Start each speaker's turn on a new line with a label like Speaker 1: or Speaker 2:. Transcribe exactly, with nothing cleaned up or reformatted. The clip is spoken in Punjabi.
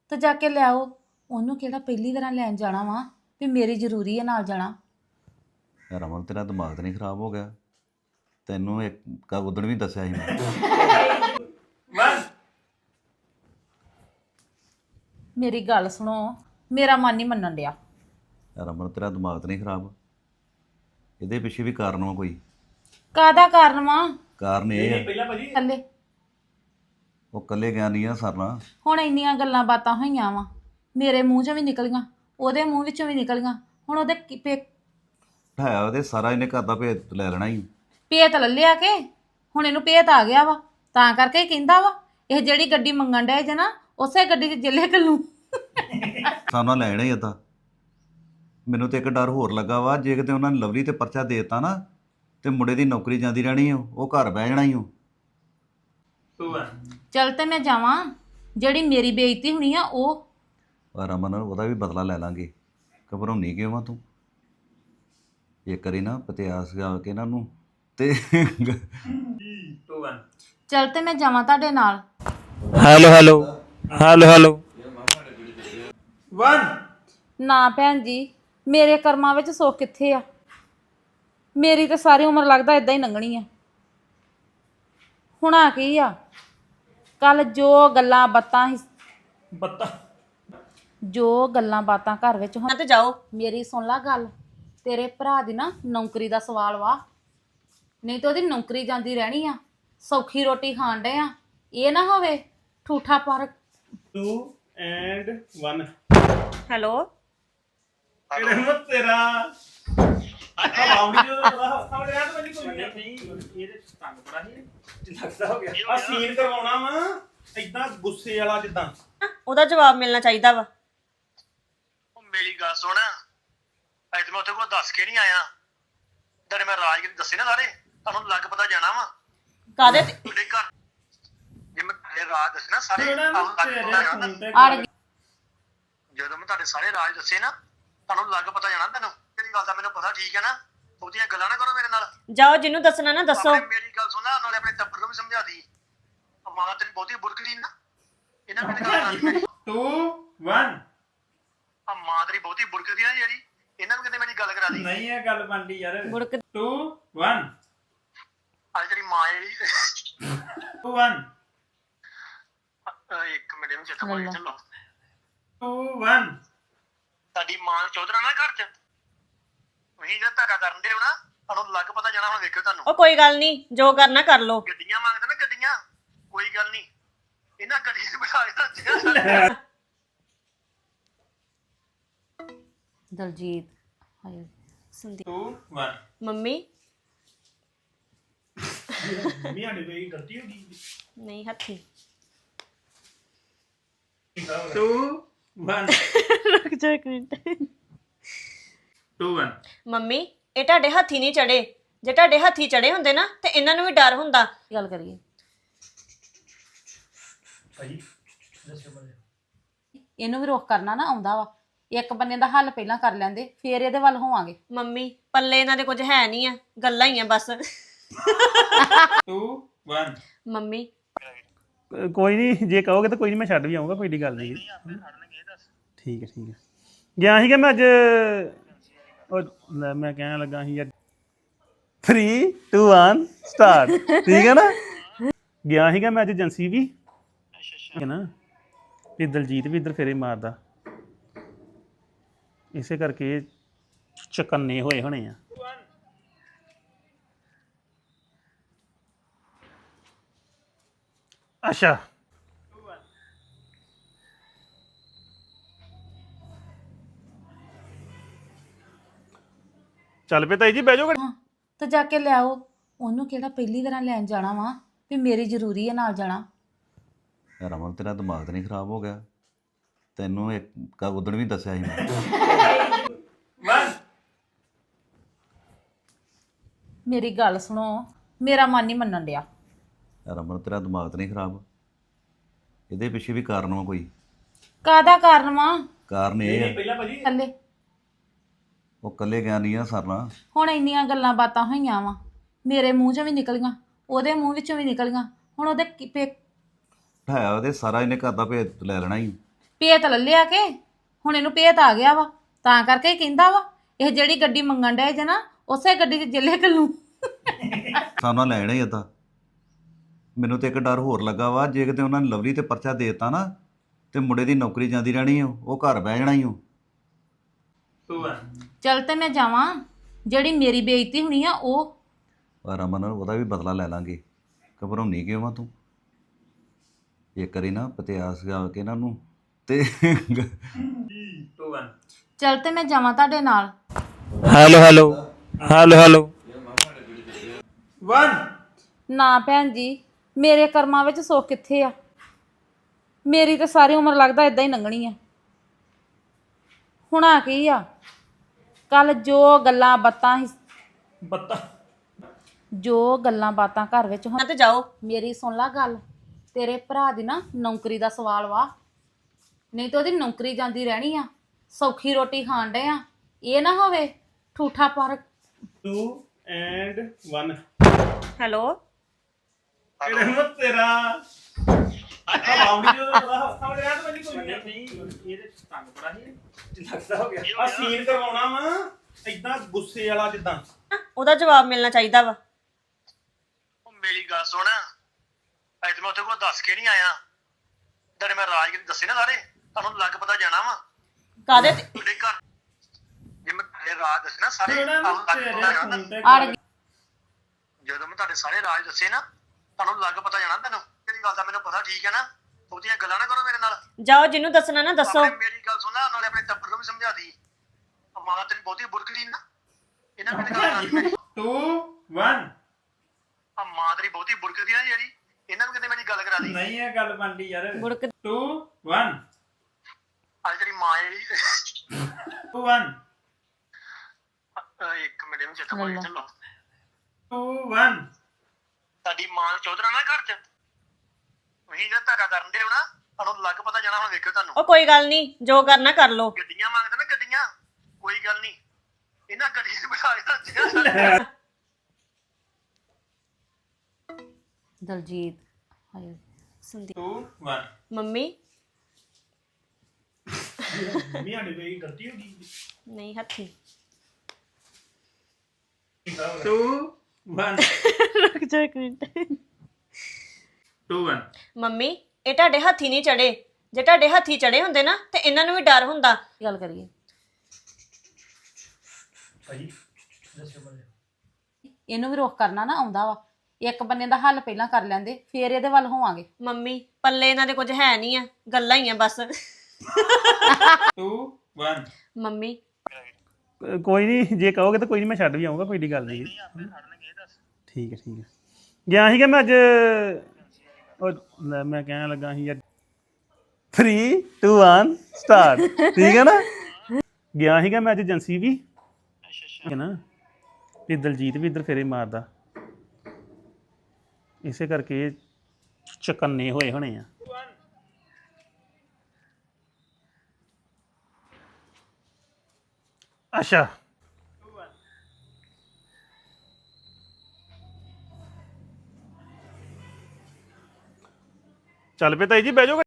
Speaker 1: ਤੇ ਜਾ ਕੇ ਲਿਆਓ। ਉਹਨੂੰ ਕਿਹੜਾ ਪਹਿਲੀ ਵਾਰ ਲੈਣ ਜਾਣਾ ਵਾ ਵੀ ਮੇਰੀ ਜ਼ਰੂਰੀ ਹੈ ਨਾਲ ਜਾਣਾ।
Speaker 2: ਰਮਨ ਤੇਰਾ ਦਿਮਾਗ ਤਾਂ ਨਹੀਂ ਖਰਾਬ ਹੋ ਗਿਆ? ਤੈਨੂੰ ਇੱਕ ਉਦਣ ਵੀ ਦੱਸਿਆ ਸੀ ਮੈਂ।
Speaker 1: ਮੇਰੀ ਗੱਲ ਸੁਣੋ, ਮੇਰਾ ਮਨ ਨਹੀਂ ਮੰਨਣ ਡਿਆ।
Speaker 2: ਰਮਨ ਤੇਰਾ ਦਿਮਾਗ ਤਾਂ ਨਹੀਂ ਖਰਾਬ? ਇਹਦੇ ਪਿੱਛੇ ਵੀ ਕਾਰਨ ਵਾ ਕੋਈ।
Speaker 1: ਕਾਹਦਾ ਕਾਰਨ ਵਾ?
Speaker 2: ਕਾਰਨ ਇਹ ਹੈ
Speaker 1: ਥੱਲੇ
Speaker 2: ਉਹ ਇਕੱਲੇ ਗਿਆ ਨਹੀਂ ਆ ਸਰਨਾ।
Speaker 1: ਹੁਣ ਇੰਨੀਆਂ ਗੱਲਾਂ ਬਾਤਾਂ ਹੋਈਆਂ ਵਾ, ਮੇਰੇ ਮੂੰਹ 'ਚੋਂ ਵੀ ਨਿਕਲੀਆਂ, ਉਹਦੇ ਮੂੰਹ ਵਿੱਚੋਂ ਵੀ ਨਿਕਲੀਆਂ। ਹੁਣ ਉਹਦੇ ਕੀ ਪੇ
Speaker 2: ਹੈ ਉਹਦੇ ਸਾਰਾ ਇਹਨੇ ਘਰ ਦਾ ਭੇਤ ਲੈ ਲੈਣਾ ਹੀ।
Speaker 1: ਭੇਤ ਲੈ ਲਿਆ ਕੇ ਹੁਣ ਇਹਨੂੰ ਭੇਤ ਆ ਗਿਆ ਵਾ, ਤਾਂ ਕਰਕੇ ਹੀ ਕਹਿੰਦਾ ਵਾ ਇਹ ਜਿਹੜੀ ਗੱਡੀ ਮੰਗਣ ਡਿਆ ਜੇ ਨਾ ਉਸੇ ਗੱਡੀ 'ਚ ਜਿੱਲੇ ਕੱਲੂ
Speaker 2: ਸਾਨਾ ਲੈਣਾ ਹੀ ਅੱਧਾ। ਮੈਨੂੰ ਤੇ ਇੱਕ ਡਰ ਹੋਰ ਲੱਗਾ ਵਾ, ਜੇ ਕਿਤੇ ਉਹਨਾਂ ਨੇ ਲਵਲੀ ਤੇ ਪਰਚਾ ਦੇ ਦਿੱਤਾ ਨਾ ਤੇ ਮੁੰਡੇ ਦੀ ਨੌਕਰੀ ਜਾਂਦੀ ਰਹਿਣੀ ਓ, ਉਹ ਘਰ ਬਹਿ ਜਾਣਾ ਹੀ ਉਹ।
Speaker 1: ਚੱਲ ਤੇ ਮੈਂ ਜਾਵਾਂ, ਜਿਹੜੀ ਮੇਰੀ ਬੇਇੱਜ਼ਤੀ ਹੋਣੀ ਆ ਉਹ।
Speaker 2: ਪਰ ਰਮਨ ਉਹਦਾ ਵੀ ਬਦਲਾ ਲੈ ਲਾਂਗੇ। ਘਬਰਾਉਣੀ ਕਿਉਂ ਆ ਤੂੰ? ਇਹ ਕਰੀ ਨਾ ਪਤਿਆਸ ਗਾ ਕੇ ਇਹਨਾਂ ਨੂੰ ਤੇ
Speaker 1: ਚੱਲ ਤੇ ਮੈਂ ਜਾਵਾਂ ਤੁਹਾਡੇ ਨਾਲ।
Speaker 3: ਹੈਲੋ ਹੈਲੋ ਹੈਲੋ ਹੈਲੋ
Speaker 1: ਨਾ ਭੈਣ ਜੀ, ਮੇਰੇ ਕਰਮਾਂ ਵਿੱਚ ਸੁੱਖ ਕਿੱਥੇ ਆ? ਮੇਰੀ ਤਾਂ ਸਾਰੀ ਉਮਰ ਲੱਗਦਾ ਇਦਾਂ ਹੀ ਲੰਘਣੀ ਆ। ਹੁਣ ਆ ਕੀ ਆ? ਕੱਲ ਜੋ ਗੱਲਾਂ ਬਾਤਾਂ
Speaker 3: ਬੱਤਾ
Speaker 1: ਜੋ ਗੱਲਾਂ ਬਾਤਾਂ ਘਰ ਵਿੱਚ ਹੋਣ
Speaker 4: ਤੇ ਜਾਓ।
Speaker 1: ਮੇਰੀ ਸੁਣ ਲਾ ਗੱਲ, ਤੇਰੇ ਭਰਾ ਦੀ ਨਾ ਨੌਕਰੀ ਦਾ ਸਵਾਲ ਵਾ, ਨਹੀਂ ਤਾਂ ਉਹਦੀ ਨੌਕਰੀ ਜਾਂਦੀ ਰਹਿਣੀ ਆ। ਸੌਖੀ ਰੋਟੀ ਖਾਣ ਡੇ ਆ, ਇਹ ਨਾ ਹੋਵੇ ਠੂਠਾ ਪਰ।
Speaker 3: To and one.
Speaker 4: ਹੈਲੋ
Speaker 3: ਇਹਦੇ ਮਤ ਤੇਰਾ ਆਉਂਦੀ ਜਦੋਂ ਪਤਾ ਸਮਝ ਰਿਹਾ ਤਾਂ ਕੋਈ ਨਹੀਂ। ਇਹਦੇ ਤੰਗ ਬੜਾ ਹੀ ਲੱਗਦਾ ਹੋ ਗਿਆ। ਆ ਸੀਨ ਕਰਵਾਉਣਾ ਵਾ ਇਦਾਂ ਗੁੱਸੇ ਵਾਲਾ ਜਿੱਦਾਂ।
Speaker 4: ਉਹਦਾ ਜਵਾਬ ਮਿਲਣਾ ਚਾਹੀਦਾ ਵਾ।
Speaker 5: ਉਹ ਮੇਰੀ ਗੱਲ ਸੁਣ, ਅੱਜ ਮੈਂ ਉੱਥੇ ਕੋਲ ਦੱਸ ਕੇ ਨਹੀਂ ਆਇਆ। ਜਿਹੜੇ ਮੈਂ ਰਾਜ ਦੱਸੇ ਨਾ ਸਾਰੇ, ਤੁਹਾਨੂੰ ਲੱਗ ਪਤਾ ਜਾਣਾ ਵਾ
Speaker 4: ਕਾਦੇ ਤੇ
Speaker 5: ਤੁਹਾਡੇ ਘਰ। ਜੇ ਮੈਂ ਤੁਹਾਡੇ ਰਾਜ ਦੱਸੇ ਨਾ ਸਾਰੇ, ਤੁਹਾਨੂੰ ਲੱਗ ਪਤਾ ਜਾਣਾ।
Speaker 1: ਅੜ ਗਈ।
Speaker 5: ਜਦੋਂ ਮੈਂ ਤੁਹਾਡੇ ਸਾਰੇ ਰਾਜ ਦੱਸੇ ਨਾ, ਤੁਹਾਨੂੰ ਲੱਗ ਪਤਾ ਜਾਣਾ। ਤੈਨੂੰ ਕਿਹੜੀ ਗੱਲ ਦਾ ਮੈਨੂੰ ਪਤਾ, ਠੀਕ ਹੈ ਨਾ? ਬਹੁਤੀਆਂ ਗੱਲਾਂ ਨਾ ਕਰੋ ਮੇਰੇ ਨਾਲ।
Speaker 4: ਜਾਓ, ਜਿਹਨੂੰ ਦੱਸਣਾ ਨਾ ਦੱਸੋ।
Speaker 5: ਆਪਣੇ ਮੇਰੀ ਗੱਲ ਸੁਣਾ, ਨਾਲੇ ਆਪਣੇ ਟੱਬਰ ਨੂੰ ਵੀ ਸਮਝਾ ਦੀ। ਮਾਂ ਤੇਰੀ ਬਹੁਤੀ ਬੁਰਕਦੀ ਨਾ, ਇਹਨਾਂ ਮੈਨੂੰ ਗੱਲ ਕਰਨੀ ਮੇਰੀ।
Speaker 3: Two one.
Speaker 5: ਆ ਮਾਂ ਤੇਰੀ ਬਹੁਤੀ ਬੁਰਕਦੀ ਨਾ ਜਿਹੜੀ, ਇਹਨਾਂ ਨੂੰ ਕਿਤੇ ਮੇਰੀ ਗੱਲ ਕਰਾ ਦੀ।
Speaker 3: ਨਹੀਂ ਇਹ ਗੱਲ ਬਣਦੀ ਯਾਰ।
Speaker 4: ਬੁੜਕ
Speaker 3: ਟੂ ਵਨ
Speaker 5: ਅੱਜ ਤੇਰੀ ਮਾਂ ਜਿਹੜੀ
Speaker 3: ਟੂ ਵਨ
Speaker 5: ਅਹ ਇੱਕ ਮਿੰਟ ਨੂੰ ਚੇਤਾ ਭੁੱਲ ਗਿਆ। ਚਲੋ,
Speaker 3: ਟੂ ਵਨ।
Speaker 5: ਤੁਹਾਡੀ ਮਾਂ ਚੌਧਰਾ ਨਾ ਘਰ ਚ, ਉਹੀ ਜਿਹੜਾ ਧਾਗਾ ਕਰਨ ਦੇ ਹੋ ਨਾ, ਤੁਹਾਨੂੰ ਲੱਗ ਪਤਾ ਜਾਣਾ। ਹੁਣ ਵੇਖਿਓ ਤੁਹਾਨੂੰ
Speaker 4: ਉਹ ਕੋਈ ਗੱਲ ਨਹੀਂ, ਜੋ ਕਰਨਾ ਕਰ ਲੋ।
Speaker 5: ਗੱਡੀਆਂ ਮੰਗਦੇ ਨਾ, ਗੱਡੀਆਂ ਕੋਈ ਗੱਲ ਨਹੀਂ, ਇਹਨਾਂ ਗੱਡੀ 'ਚ ਬਿਠਾ ਕੇ ਰੱਖਿਆ।
Speaker 1: ਦਲਜੀਤ ਹਾਏ
Speaker 4: Sandeep
Speaker 3: two one.
Speaker 4: Mummy
Speaker 3: mummy ਸਾਡੇ ਕੋਈ ਗਲਤੀ ਹੋ ਗਈ?
Speaker 4: ਨਹੀਂ ਹੱਥੀ।
Speaker 3: Two one.
Speaker 4: ਰੁਕ ਜਾ ਇੱਕ ਮਿੰਟ।
Speaker 3: To one.
Speaker 4: ਮੰਮੀ ਇਹ ਤੁਹਾਡੇ ਹੱਥੀ ਨਹੀਂ ਚੜੇ। ਜੇ ਤੁਹਾਡੇ ਹੱਥੀ ਚੜੇ ਹੁੰਦੇ ਨਾ ਤੇ ਇਹਨਾਂ ਨੂੰ ਵੀ ਡਰ ਹੁੰਦਾ।
Speaker 1: ਗੱਲ ਕਰੀਏ। ਇਹਨੂੰ ਵੀ ਰੋਕ ਕਰਨਾ ਨਾ ਆਉਂਦਾ ਵਾ। ਇੱਕ ਬੰਨੇ ਦਾ ਹੱਲ ਪਹਿਲਾਂ ਕਰ ਲੈਂਦੇ, ਫੇਰ ਇਹਦੇ ਵੱਲ ਹੋਵਾਂਗੇ।
Speaker 4: ਮੰਮੀ ਪੱਲੇ ਇਹਨਾਂ ਦੇ ਕੁਝ ਹੈ ਨਹੀਂ ਆ, ਗੱਲਾਂ ਹੀ ਆ ਬਸ।
Speaker 3: Two one.
Speaker 4: ਮੰਮੀ
Speaker 6: ਕੋਈ ਨਹੀਂ, ਜੇ ਕਹੋਗੇ ਤਾਂ ਕੋਈ ਨਹੀਂ, ਮੈਂ ਛੱਡ ਵੀ ਆਉਂਗਾ, ਕੋਈ ਏਡੀ ਗੱਲ ਨਹੀਂ। ਠੀਕ ਹੈ ਠੀਕ ਹੈ। ਗਿਆ ਸੀਗਾ ਮੈਂ ਅੱਜ, ਉਹ ਲੈ ਮੈਂ ਕਹਿਣ ਲੱਗਾ ਸੀ ਅੱਜ ਥ੍ਰੀ ਟੂ ਵਨ ਸਟਾਰਟ। ਠੀਕ ਹੈ ਨਾ? ਗਿਆ ਸੀਗਾ ਮੈਂ ਅੱਜ ਏਜੰਸੀ ਵੀ, ਠੀਕ ਹੈ ਨਾ? ਤੇ ਦਲਜੀਤ ਵੀ ਇੱਧਰ ਫੇਰੇ ਮਾਰਦਾ, ਇਸੇ ਕਰਕੇ ਚਕੰਨੇ ਹੋਏ ਹੋਣੇ ਆ। ਅੱਛਾ ਚੱਲ ਪਏ ਤਾਈ ਜੀ, ਬਹਿ ਜਾਓ।
Speaker 1: ਹਾਂ ਤੇ ਜਾ ਕੇ ਲਿਆਓ। ਉਹਨੂੰ ਕਿਹੜਾ ਪਹਿਲੀ ਵਾਰ ਲੈਣ ਜਾਣਾ ਵਾ ਵੀ ਮੇਰੀ ਜ਼ਰੂਰੀ ਹੈ ਨਾਲ ਜਾਣਾ।
Speaker 2: ਰਮਨ ਤੇਰਾ ਦਿਮਾਗ ਤਾਂ ਨਹੀਂ ਖਰਾਬ ਹੋ ਗਿਆ? ਤੈਨੂੰ ਇੱਕ ਉਦਣ ਵੀ ਦੱਸਿਆ ਸੀ ਮੈਂ।
Speaker 1: ਮੇਰੀ ਗੱਲ ਸੁਣੋ, ਮੇਰਾ ਮਨ ਨਹੀਂ ਮੰਨਣ ਡਿਆ।
Speaker 2: ਰਮਨ ਤੇਰਾ ਦਿਮਾਗ ਤਾਂ ਨਹੀਂ ਖਰਾਬ? ਇਹਦੇ ਪਿੱਛੇ ਵੀ ਕਾਰਨ ਵਾ ਕੋਈ।
Speaker 1: ਕਾਹਦਾ ਕਾਰਨ ਵਾ?
Speaker 2: ਕਾਰਨ ਇਹ ਹੈ
Speaker 1: ਥੱਲੇ
Speaker 2: ਉਹ ਇਕੱਲੇ ਗਿਆ ਨਹੀਂ ਆ ਸਰਨਾ।
Speaker 1: ਹੁਣ ਇੰਨੀਆਂ ਗੱਲਾਂ ਬਾਤਾਂ ਹੋਈਆਂ ਵਾ, ਮੇਰੇ ਮੂੰਹ 'ਚੋਂ ਵੀ ਨਿਕਲੀਆਂ, ਉਹਦੇ ਮੂੰਹ ਵਿੱਚੋਂ ਵੀ ਨਿਕਲੀਆਂ। ਹੁਣ ਉਹਦੇ ਕੀ ਪੇ
Speaker 2: ਹੈ ਉਹਦੇ ਸਾਰਾ ਇਹਨੇ ਘਰ ਦਾ ਭੇਤ ਲੈ ਲੈਣਾ ਹੀ।
Speaker 1: ਭੇਤ ਲੈ ਲਿਆ ਕੇ ਹੁਣ ਇਹਨੂੰ ਭੇਤ ਆ ਗਿਆ ਵਾ ਤਾਂ ਕਰਕੇ ਹੀ ਕਹਿੰਦਾ ਵਾ ਇਹ ਜਿਹੜੀ ਗੱਡੀ ਮੰਗਣ ਡਿਆ ਜੇ ਨਾ ਉਸੇ ਗੱਡੀ 'ਚ ਜਿੱਲੇ ਕੱਲੂ
Speaker 2: ਸਾਨਾ ਲੈਣਾ ਹੀ ਏਦਾਂ ਮੈਨੂੰ ਤੇ ਇੱਕ ਡਰ ਹੋਰ ਲੱਗਾ ਵਾ ਜੇ ਕਿਤੇ ਉਹਨਾਂ ਨੇ ਲਵਲੀ ਤੇ ਪਰਚਾ ਦੇ ਦਿੱਤਾ ਨਾ ਤੇ ਮੁੰਡੇ ਦੀ ਨੌਕਰੀ ਜਾਂਦੀ ਰਹਿਣੀ ਓ ਉਹ ਘਰ ਬਹਿ ਜਾਣਾ ਹੀ ਓ
Speaker 3: ਟੂ ਵਨ
Speaker 1: ਚੱਲ ਤੇ ਮੈਂ ਜਾਵਾਂ ਜਿਹੜੀ ਮੇਰੀ ਬੇਇੱਜ਼ਤੀ ਹੋਣੀ ਆ ਉਹ
Speaker 2: ਪਰ ਅਮਨ ਉਹਦਾ ਵੀ ਬਦਲਾ ਲੈ ਲਾਂਗੇ ਘਬਰਾਉਣੀ ਕਿਉਂ ਆ ਤੂੰ ਇਹ ਕਰੀ ਨਾ ਪਤਿਆਸ ਗਾ ਕੇ ਇਹਨਾਂ ਨੂੰ ਤੇ
Speaker 3: ਟੂ ਵਨ
Speaker 1: ਚੱਲ ਤੇ ਮੈਂ ਜਾਵਾਂ ਤੁਹਾਡੇ ਨਾਲ
Speaker 7: hello hello hello hello
Speaker 3: one
Speaker 1: ਨਾ ਭੈਣ ਜੀ ਮੇਰੇ ਕਰਮਾਂ ਵਿੱਚ ਸੁੱਖ ਕਿੱਥੇ ਆ ਮੇਰੀ ਤਾਂ ਸਾਰੀ ਉਮਰ ਲੱਗਦਾ ਇਦਾਂ ਹੀ ਲੰਘਣੀ ਆ ਹੁਣ ਆ ਕੀ ਆ ਕੱਲ ਜੋ ਗੱਲਾਂ ਬਾਤਾਂ ਸੀ
Speaker 3: ਬੱਤਾ
Speaker 1: ਜੋ ਗੱਲਾਂ ਬਾਤਾਂ ਘਰ ਵਿੱਚ ਹੋ
Speaker 4: ਨਾ ਤੇ ਜਾਓ
Speaker 1: ਮੇਰੀ ਸੁਣ ਲਾ ਗੱਲ ਤੇਰੇ ਭਰਾ ਦੀ ਨਾ ਨੌਕਰੀ ਦਾ ਸਵਾਲ ਵਾ ਨਹੀਂ ਤਾਂ ਉਹਦੀ ਨੌਕਰੀ ਜਾਂਦੀ ਰਹਿਣੀ ਆ ਸੌਖੀ ਰੋਟੀ ਖਾਣ ਡੇ ਆ ਇਹ ਨਾ ਹੋਵੇ ਠੂਠਾ ਪਰ
Speaker 3: ਟੂ ਐਂਡ ਵਨ
Speaker 4: ਹੈਲੋ
Speaker 3: ਇਹਦੇ ਮਤ ਤੇਰਾ ਆਵਾਉਣੀ ਜੋ ਬੜਾ ਸਮਝ ਰਿਹਾ ਤਾਂ ਕੋਈ ਨਹੀਂ ਇਹਦੇ ਤੰਗ ਬੜਾ ਹੀ ਲੱਗਦਾ ਹੋ ਗਿਆ ਆ ਸੀਨ ਕਰਵਾਉਣਾ ਵਾ ਇਦਾਂ ਗੁੱਸੇ ਵਾਲਾ ਜਿੱਦਾਂ
Speaker 4: ਉਹਦਾ ਜਵਾਬ ਮਿਲਣਾ ਚਾਹੀਦਾ ਵਾ
Speaker 5: ਉਹ ਮੇਰੀ ਗੱਲ ਸੁਣ ਅੱਜ ਮੈਂ ਉੱਥੇ ਕੋਈ ਦੱਸ ਕੇ ਨਹੀਂ ਆਇਆ ਜਿਹੜੇ ਮੈਂ ਰਾਜਗੀਰ ਦੱਸੇ ਨਾ ਸਾਰੇ ਤੁਹਾਨੂੰ ਲੱਗ ਪਤਾ ਜਾਣਾ ਵਾ
Speaker 4: ਕਾਦੇ ਤੇ
Speaker 5: ਤੁਹਾਡੇ ਘਰ ਜੇ ਮੈਂ ਤੁਹਾਡੇ ਰਾਜ ਦੱਸੇ ਨਾ ਸਾਰੇ
Speaker 3: ਥੋੜਾ
Speaker 5: ਤੁਹਾਨੂੰ ਲੱਗ
Speaker 3: ਤੇਰੇ
Speaker 5: ਪਤਾ ਜਾਣਾ
Speaker 3: ਫੋਨ ਤੇ
Speaker 1: ਅੜ ਗਈ।
Speaker 5: ਜਦੋਂ ਮੈਂ ਤੁਹਾਡੇ ਸਾਰੇ ਰਾਜ ਦੱਸੇ ਨਾ ਤੁਹਾਨੂੰ ਲੱਗ ਪਤਾ ਜਾਣਾ ਤੈਨੂੰ ਤੇਰੀ ਗੱਲ ਦਾ ਮੈਨੂੰ ਪਤਾ ਠੀਕ ਹੈ ਨਾ ਉਹਦੀਆਂ ਗੱਲਾਂ ਨਾ ਕਰੋ ਮੇਰੇ ਨਾਲ
Speaker 4: ਜਾਓ ਜਿਹਨੂੰ ਦੱਸਣਾ ਨਾ ਦੱਸੋ
Speaker 5: ਆਪਣੇ ਮੇਰੀ ਗੱਲ ਸੁਣਾ ਨਾਲੇ ਆਪਣੇ ਟੱਬਰ ਨੂੰ ਵੀ ਸਮਝਾ ਦੀ ਮਾਂ ਤੇਰੀ ਬਹੁਤੀ ਬੁਰਕਦੀ ਨਾ ਇਹਨਾਂ ਮੇਰੇ ਗੱਲ ਕਰਾ ਦੀ ਮੇਰੀ
Speaker 3: ਟੂ ਵਨ
Speaker 5: ਆ ਮਾਂ ਤੇਰੀ ਬਹੁਤੀ ਬੁਰਕਦੀ ਨਾ ਜਿਹੜੀ ਇਹਨਾਂ ਨੂੰ ਕਿਤੇ ਮੇਰੀ ਗੱਲ ਕਰਾ ਦੀ
Speaker 3: ਨਹੀਂ ਇਹ ਗੱਲ ਬਣਦੀ ਯਾਰ
Speaker 4: ਗੁੜਕ
Speaker 3: ਟੂ ਵਨ
Speaker 5: ਅੱਜ ਤੇਰੀ ਮਾਂ ਜਿਹੜੀ
Speaker 3: ਟੂ ਵਨ
Speaker 5: ਅਹ ਇੱਕ ਮਿੰਟ ਨੂੰ ਚੇਤਾ ਪਾ ਚੱਲੋ
Speaker 3: ਟੂ ਵਨ
Speaker 5: ਤੁਹਾਡੀ ਮਾਂ ਚੌਧਰਾ ਨਾ ਘਰ ਚ ਉਹੀ ਜੇ ਧਾਗਾ ਕਰਨ ਦੇ ਹੋ ਨਾ ਤੁਹਾਨੂੰ ਲੱਗ ਪਤਾ ਜਾਣਾ ਹੁਣ ਵੇਖਿਓ ਤੁਹਾਨੂੰ
Speaker 4: ਉਹ ਕੋਈ ਗੱਲ ਨਹੀਂ ਜੋ ਕਰਨਾ ਕਰ ਲੋ
Speaker 5: ਗੱਡੀਆਂ ਮੰਗਦੇ ਨਾ ਗੱਡੀਆਂ ਕੋਈ ਗੱਲ ਨਹੀਂ ਇਹਨਾਂ ਗੱਡੀਆਂ 'ਚ ਬਿਠਾ ਕੇ
Speaker 1: ਦਲਜੀਤ ਹਾਏ
Speaker 4: Sandeep
Speaker 3: two one
Speaker 4: mummy
Speaker 3: mummy ਆਡੀ ਕੋਈ ਗਲਤੀ ਹੋ ਗਈ
Speaker 4: ਨਹੀਂ ਹੱਥੀ
Speaker 3: ਟੂ ਵਨ
Speaker 4: ਰੁਕ ਜਾ ਇੱਕ ਮਿੰਟ
Speaker 3: ਟੂ ਵਨ
Speaker 4: ਮੰਮੀ ਇਹ ਤੁਹਾਡੇ ਹੱਥੀ ਨਹੀਂ ਚੜੇ ਜੇ ਤੁਹਾਡੇ ਹੱਥੀ ਚੜੇ ਹੁੰਦੇ ਨਾ ਤੇ ਇਹਨਾਂ ਨੂੰ ਵੀ ਡਰ ਹੁੰਦਾ
Speaker 1: ਗੱਲ ਕਰੀਏ
Speaker 3: ਭਾਈ
Speaker 1: ਇਹਨੂੰ ਵੀ ਰੋਕ ਕਰਨਾ ਨਾ ਆਉਂਦਾ ਵਾ ਇੱਕ ਬੰਨੇ ਦਾ ਹੱਲ ਪਹਿਲਾਂ ਕਰ ਲੈਂਦੇ ਫੇਰ ਇਹਦੇ ਵੱਲ ਹੋਵਾਂਗੇ
Speaker 4: ਮੰਮੀ ਪੱਲੇ ਇਹਨਾਂ ਦੇ ਕੁਝ ਹੈ ਨਹੀਂ ਆ ਗੱਲਾਂ ਹੀ ਆ ਬਸ
Speaker 3: ਟੂ ਵਨ
Speaker 4: ਮੰਮੀ
Speaker 6: ਅ, ਕੋਈ ਨਹੀਂ ਜੇ ਕਹੋਗੇ ਤਾਂ ਕੋਈ ਨਹੀਂ ਮੈਂ ਛੱਡ ਵੀ ਆਊਂਗਾ ਕੋਈ ਏਡੀ ਗੱਲ ਨਹੀਂ ਠੀਕ ਹੈ ਠੀਕ ਹੈ ਗਿਆ ਸੀਗਾ ਮੈਂ ਅੱਜ ਉਹ ਲੈ ਮੈਂ ਕਹਿਣ ਲੱਗਾ ਸੀ ਯਾਰ ਥ੍ਰੀ ਟੂ ਵਨ ਸਟਾਰਟ ਠੀਕ ਹੈ ਨਾ ਗਿਆ ਸੀਗਾ ਮੈਂ ਅੱਜ ਏਜੰਸੀ ਵੀ ਠੀਕ ਹੈ ਨਾ ਤੇ ਦਲਜੀਤ ਵੀ ਇੱਧਰ ਫੇਰੇ ਮਾਰਦਾ ਇਸੇ ਕਰਕੇ ਇਹ ਚਕੰਨੇ ਹੋਏ ਹੋਣੇ ਆ ਅੱਛਾ ਚੱਲ ਪਏ ਤਾਈ ਜੀ ਬਹਿ ਜਾਓ